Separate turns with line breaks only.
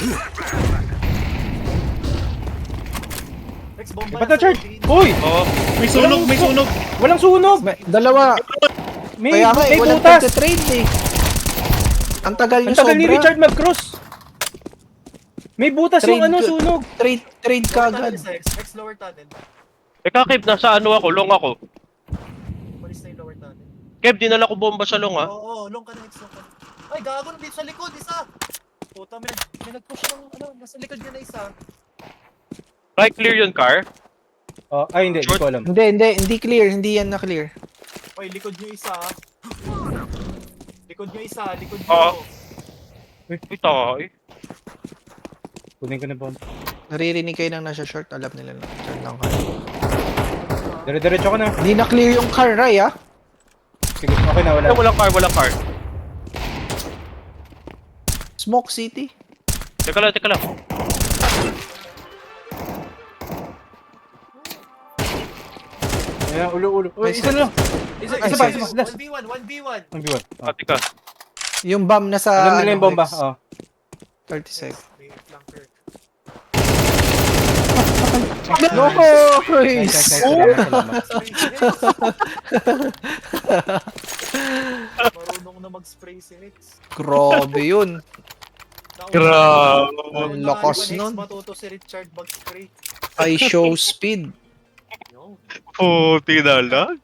Rex, bomba
Ba't na charge? Hoy!
Oo. May sunog, may sunog.
Walang sunog!
Dalawa.
May
Kaya nga eh, walang
butas!
pagte-trade eh. Ang tagal
Ang
nyo
tagal ni
sobra.
Richard mag-cross! May butas yung
Trade
ano,
ko-
sunog!
Trade
Lower tunnel
kagad.
sa Rex. Rex, lower tunnel.
Kev, nasa ano ako, long ako.
Malis na yung lower tunnel.
Kev, dinala ko bomba sa long, ha?
Oo, long ka na, Rex, long ka na. Ay, gago na dito sa likod, isa! Puta, may nag-push ng, ano, nasa likod niya na isa.
Right, clear yun, car.
Oh, ay hindi, hindi ko alam.
Hindi clear. Hindi yan na clear.
Oy, likod niyo isa, ah. Likod niyo isa, likod
Oo.
niyo.
Ito, eh.
Kunin ko na bomb.
Naririnig kayo nang nasa short. Alam nila na. Short lang kayo.
Dire-diretso ko na.
Hindi na clear yung car, Ray, ah.
Sige, okay na, wala.
Ay, walang car.
Smoke City.
Teka lang.
Ayan, ulo. Uy,
Nice,
isa na lang.
Isa,
Ay,
isa pa,
sige.
isa pa. Last.
1v1, 1v1.
Ang biwan. Oh.
Teka.
Yung bomb na sa...
Alam nila yung bomba.
Rex.
Oh.
30 seconds.
May flanker.
No,
Nice, nice, nice. Salamat.
Marunong na mag-spray si Rex.
Grabe yun.
Grabe.
Ang lakas
Next,
nun.
matuto si Richard mag-spray.
I show speed.
Yo.
Puti na lang.